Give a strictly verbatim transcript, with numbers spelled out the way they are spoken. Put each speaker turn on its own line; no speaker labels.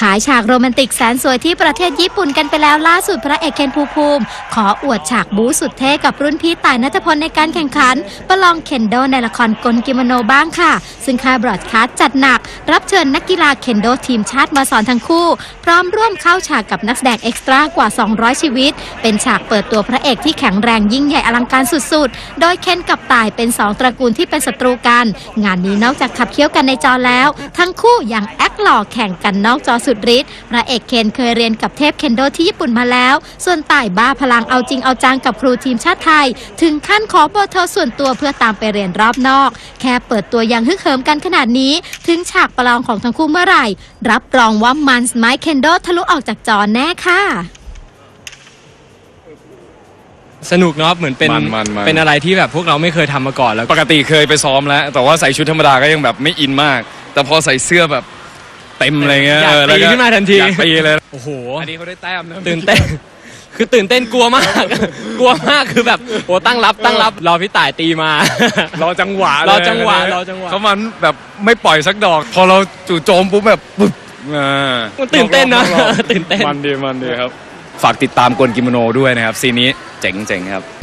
ขายฉากโรแมนติกแสนสวยที่ประเทศญี่ปุ่นกันไปแล้วล่าสุดพระเอกเคนภูมิภูมิขออวดฉากบู๊สุดเท่กับรุ่นพี่ต่ายณัฐพลในการแข่งขันประลองเคนโดในละครกลกิโมโนบ้างค่ะซึ่งค่ายบรอดคาสต์จัดหนักรับเชิญนักกีฬาเคนโดทีมชาติมาสอนทั้งคู่พร้อมร่วมเข้าฉากกับนักแสดงเอ็กซ์ตร้ากว่าสองร้อยชีวิตเป็นฉากเปิดตัวพระเอกที่แข็งแรงยิ่งใหญ่อลังการสุดๆโดยเคนกับต่ายเป็นสองตระกูลที่เป็นศัตรูกันงานนี้นอกจากขับเคี่ยวกันในจอแล้วทั้งคู่ยังแอคหล่อแข่งกันนอกจอสุดฤทธิ์พระเอกเคนเคยเรียนกับเทพเคนโดที่ญี่ปุ่นมาแล้วส่วนต่ายบ้าพลังเอาจริงเอาจังกับครูทีมชาติไทยถึงขั้นขอเบอร์โทรส่วนตัวเพื่อตามไปเรียนรอบนอกแค่เปิดตัวยังฮึกเหิมกันขนาดนี้ถึงฉากประลองของทั้งคู่เมื่อไหร่รับรองว่ามันไม้เคนโดทะลุออกจากจอแน่ค่ะ
สนุกเนาะเหมือนเป็นเป็นอะไรที่แบบพวกเราไม่เคยทำมาก่อนแล้ว
ปกติเคยไปซ้อมแล้วแต่ว่าใส่ชุดธรรมดาก็ยังแบบไม่อินมากแต่พอใส่เสื้อแบบเต็มอะไรเงี้ย
อยากตีขึ้นมาทันที
อยากตีเลย
โอ้โห
อันนี้เขาได้แต้มนะ
ตื่นเต้นคือตื่นเต้นกลัวมากกลัวมากคือแบบโอ้ตั้งรับตั้งรับรอพี่ต่ายตีมาร
อจังหวะ
รอจังหวะรอจังหวะ
เขามันแบบไม่ปล่อยสักดอกพอเราจู่โจมปุ๊บแบบปึ๊บอ่า
มันตื่นเต้นนะตื่นเต้น
มันดีมันดีครับฝากติดตามกลกิโมโนด้วยนะครับซีนนี้เจ๋งๆครับ